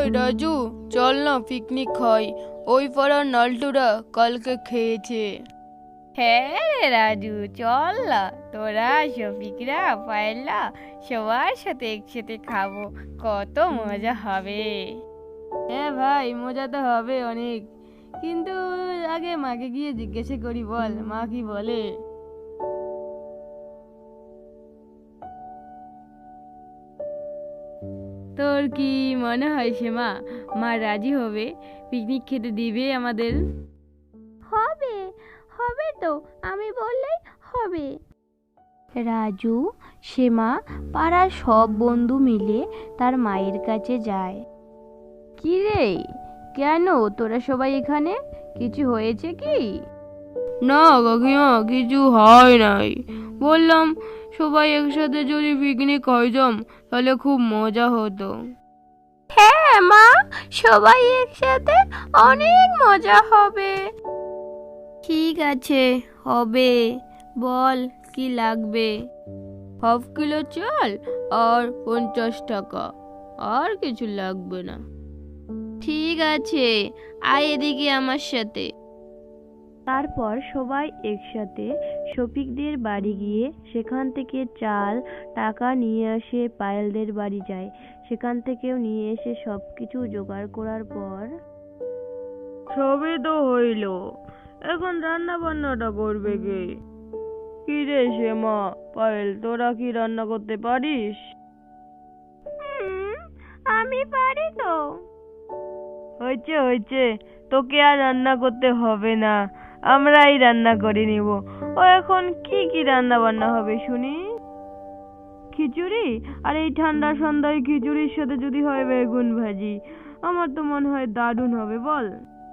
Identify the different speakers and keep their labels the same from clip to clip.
Speaker 1: ওই রাজু, চল না পিকনিক খাই। ওই পাড়ার নালটুরা কালকে খেয়েছে।
Speaker 2: হ্যাঁ রে রাজু, চল না, তোরা শফিকরা পায়েলা সবার সাথে একসাথে খাবো, কত মজা হবে।
Speaker 1: হ্যাঁ ভাই, মজা তো হবে অনেক, কিন্তু আগে মাকে গিয়ে জিজ্ঞাসা করি, বল মা কি বলে। তোর কি মনে হয় মা রাজি হবে? পিকনিক খেতে দিবে আমাদের?
Speaker 3: হবে, হবে তো, আমি বললেই হবে। রাজু, সেমা পাড়ার সব বন্ধু মিলে তার মায়ের কাছে যায়।
Speaker 1: কি রে, কেন তোরা সবাই এখানে? কিছু হয়েছে কি? না কাকিমা, কিছু হয় নাই। বললাম সবাই একসাথে যদি পিকনিক খাইতাম তাহলে খুব মজা হতো।
Speaker 3: হ্যাঁ মা, সবাই একসাথে অনেক মজা হবে।
Speaker 1: ঠিক আছে, হবে। বল কি লাগবে? হাফ কিলো চাল আর 50 টাকা, আর কিছু লাগবে না। ঠিক আছে, আয় এদিকে আমার সাথে।
Speaker 3: তারপর সবাই একসাথে শফিকদের বাড়ি গিয়ে সেখান থেকে চাল টাকা নিয়ে আসে, পায়েলদের বাড়ি যায়, সেখান থেকেও নিয়ে এসে সবকিছু জোগাড় করার পর
Speaker 1: সবই তো হইল, এখন রান্না বান্নাটা করবে কে? কি রে শ্যামা, পায়েল, তোরা কি রান্না করতে পারিস?
Speaker 3: আমি পারি তো।
Speaker 1: হয়েছে হয়েছে, তোকে আর রান্না করতে হবে না, আমরাই রান্না করে নিব। ও এখন কি কি রান্না বান্না হবে শুনি? খিচুড়ি? আর এই ঠান্ডা সন্ধ্যায় খিচুড়ির সাথে যদি হয় বেগুন ভাজি, আমার তো মনে হয় দারুণ হবে, বল।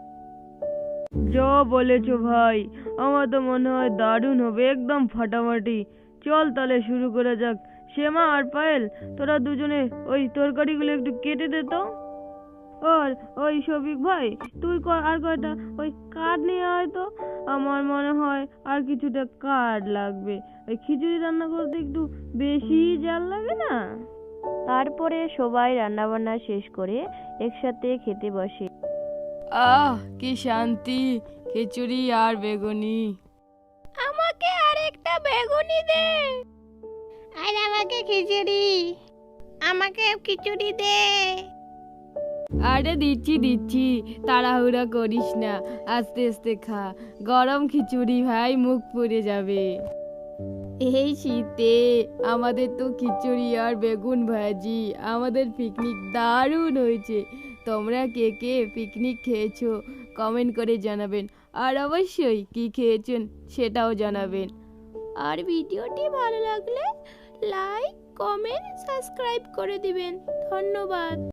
Speaker 1: যা বলেছো ভাই, আমার তো মনে হয় দারুণ হবে, একদম ফাটাফাটি। চল তাহলে শুরু করা যাক। শ্যামা আর পায়েল, তোরা দুজনে ওই তরকারিগুলো একটু কেটে দে তো। আর ওই শফিক ভাই, তুই আর কয়টা ওই কাঠ নিয়ে আয় তো। আমার মনে হয় আর কিছুটা কাঠ লাগবে, ওই খিচুড়ি রান্না করতে একটু বেশি জাল লাগে না?
Speaker 3: তারপরে সবাই রান্নাবান্না শেষ করে একসাথে খেতে বসে।
Speaker 1: আহ কি শান্তি, খিচুড়ি আর বেগুনি।
Speaker 3: আমাকে আরেকটা বেগুনি দে। আর আমাকে খিচুড়ি। আমাকে খিচুড়ি দে।
Speaker 1: আরে দিচ্ছি দিচ্ছি, তাড়াহুড়া করিস না, আস্তে আস্তে খা। গরম খিচুড়ি ভাই, মুখ পুড়ে যাবে। এই শীতে আমাদের তো খিচুড়ি আর বেগুন ভাজি। আমাদের পিকনিক দারুণ হয়েছে। তোমরা কে কে পিকনিক খেয়েছো কমেন্ট করে জানাবেন, আর অবশ্যই কি খেয়েছেন সেটাও জানাবেন। আর ভিডিওটি ভালো লাগলে লাইক, কমেন্ট, সাবস্ক্রাইব করে দিবেন। ধন্যবাদ।